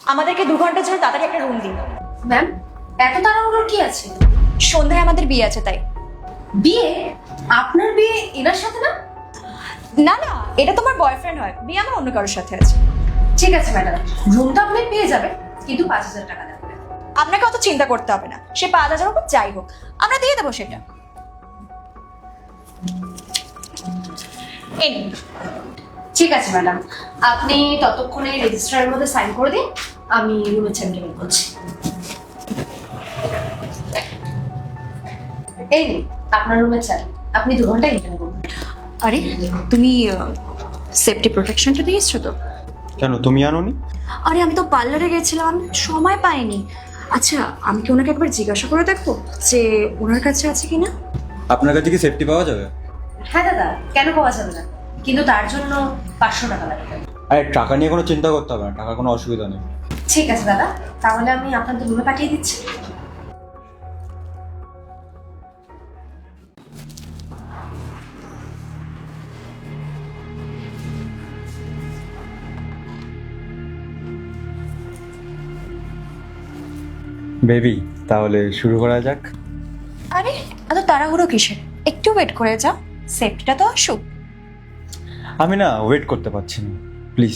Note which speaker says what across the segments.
Speaker 1: আমাদেরকে 2 ঘন্টার জন্য তাড়াতাড়ি একটা রুম দিন।
Speaker 2: ম্যাম, এত তাড়াহুড়োর কি আছে?
Speaker 1: সন্ধ্যায় আমাদের বিয়ে আছে তাই।
Speaker 2: বিয়ে? আপনার বিয়ে এনার সাথে না?
Speaker 1: না না, এটা তোমার বয়ফ্রেন্ড হয়, বিয়ে আমার অন্য কারোর সাথে আছে।
Speaker 2: ঠিক আছে ম্যাডাম, রুমটা আপনি পেয়ে যাবেন, কিন্তু 5,000 টাকা লাগবে।
Speaker 1: আপনাকে অত চিন্তা করতে হবে না, সে 5,000 হোক যাই হোক আমরা দিয়ে দেবো সেটা। এই নিন।
Speaker 2: ঠিক আছে ম্যাডাম, আপনি ততক্ষণে রেজিস্ট্রারের মধ্যে সাইন করে দিন, আমি রুমের ছেলেকে বের করছি। এই নিন আপনার রুমের চাবি, আপনি 2 ঘন্টা এখানে করবেন।
Speaker 1: আরে তুমি সেফটি প্রোটেকশনটা নিয়ে এসছো তো?
Speaker 3: কেন তুমি আনোনি?
Speaker 1: আরে আমি তো পার্লারে গেছিলাম, সময় পাইনি। আচ্ছা আমি কি ওনাকে একবার জিজ্ঞাসা করে দেখবো যে ওনার কাছে আছে কিনা।
Speaker 3: আপনার কাছে কি সেফটি পাওয়া যাবে?
Speaker 2: হ্যাঁ দাদা, কেন পাওয়া যাবে না, কিন্তু তার জন্য 500 টাকা লাগবে।
Speaker 3: আরে টাকা নিয়ে কোনো চিন্তা করতে হবে না, টাকা কোনো অসুবিধা নেই।
Speaker 2: ঠিক আছে দাদা, তাহলে আমি আপনাদের রুমে পাঠিয়ে দিচ্ছি।
Speaker 3: বেবি, তাহলে শুরু করা যাক।
Speaker 1: আরে এত তাড়াহুড়ো কিসের, একটু ওয়েট করে যাও, সেফটিটা তো আসুক।
Speaker 3: আমি না ওয়েট করতে পারছি না, প্লিজ।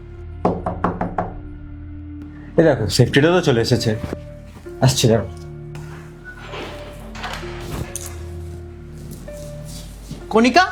Speaker 3: এই দেখো সেফটিটা তো চলে এসেছে, আসছে দেখো।
Speaker 4: কণিকা,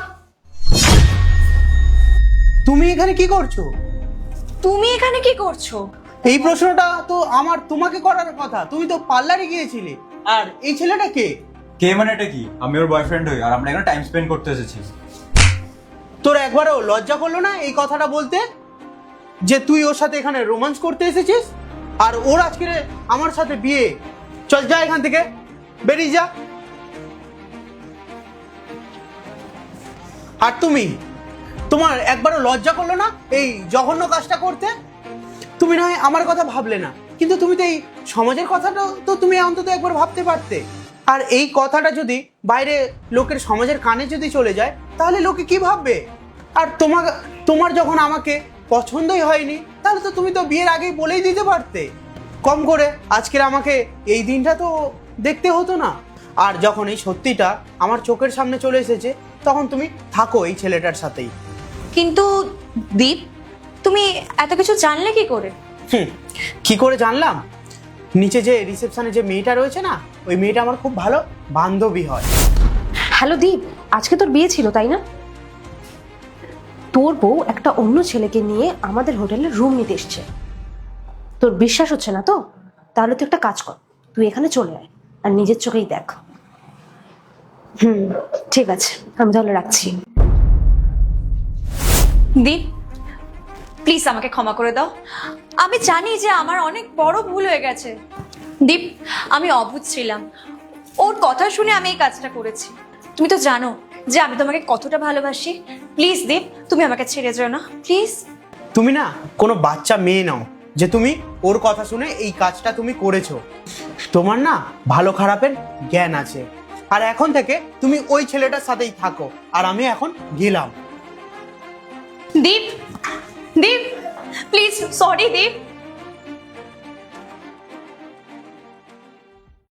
Speaker 4: তুমি এখানে কি করছো?
Speaker 1: তুমি এখানে কি করছো?
Speaker 4: এই প্রশ্নটা তো আমার তোমাকে করার কথা, তুমি তো পার্লারে গিয়েছিলে। আর এই ছেলেটা কে?
Speaker 3: কে মানে এটা কি? আমি ওর বয়ফ্রেন্ড হই, আর আমরা এখানে টাইম স্পেন্ড করতে এসেছি।
Speaker 4: তোর একবারও লজ্জা করলো না এই কথাটা বলতে, যে তুই ওর সাথে এখানে রোমান্স করতে এসেছিস? আর ওর আজকে আমার সাথে বিয়ে। চল যা এখান থেকে, বেরিয়ে যা। আর তুমি, তোমার একবারও লজ্জা করলো না এই জঘন্য কাজটা করতে? তুমি না হয় আমার কথা ভাবলে না, কিন্তু তুমি তো এই সমাজের কথাটা তো তুমি অন্তত একবার ভাবতে পারতে। আর এই কথাটা যদি বাইরে লোকের সমাজের কানে যদি চলে যায়, তাহলে লোকে কি ভাববে? আর তোমার যখন আমাকে পছন্দই হয়নি, তাহলে তো তুমি তো বিয়ের আগেই বলেই দিতে পারতে। কম করে আজকের আমাকে এই দিনটা তো দেখতে হতো না। আর যখন এই সত্যিটা আমার চোখের সামনে চলে এসেছে, তখন তুমি থাকো এই ছেলেটার সাথেই।
Speaker 1: কিন্তু দীপ, তুমি এত কিছু জানলে কি করে?
Speaker 4: কি করে জানলাম? নিচে যে রিসেপশনে যে মেয়েটা রয়েছে না, ওই মেয়েটা আমার খুব ভালো বান্ধবী হয়।
Speaker 2: হ্যালো দীপ, আজকে তোর বিয়ে ছিল তাই না? তোর বউ একটা অন্য ছেলেকে নিয়ে আমাদের হোটেলে রুম নিতে এসছে। তোর বিশ্বাস হচ্ছে না তো? তাহলে তুই একটা কাজ কর, তুই এখানে চলে আয় আর নিজের চোখেই দেখ। ঠিক আছে, আমি তাহলে রাখছি।
Speaker 1: দীপ প্লিজ আমাকে ক্ষমা করে দাও, আমি জানি যে আমার অনেক বড় ভুল হয়ে গেছে। দীপ আমি অবুঝ ছিলাম, ওর কথা শুনে আমি এই কাজটা করেছি। তুমি তো জানো যে আমি তোমাকে কতটা ভালোবাসি। প্লিজ দীপ, তুমি আমাকে ছেড়ে যেও না প্লিজ।
Speaker 4: তুমি না কোনো বাচ্চা মেয়ে নাও যে তুমি ওর কথা শুনে এই কাজটা তুমি করেছো। তোমার না ভালো খারাপের জ্ঞান আছে। আর এখন থেকে তুমি ওই ছেলেটার সাথেই থাকো, আর আমি এখন গেলাম।
Speaker 1: Deep, Deep please, sorry Deep.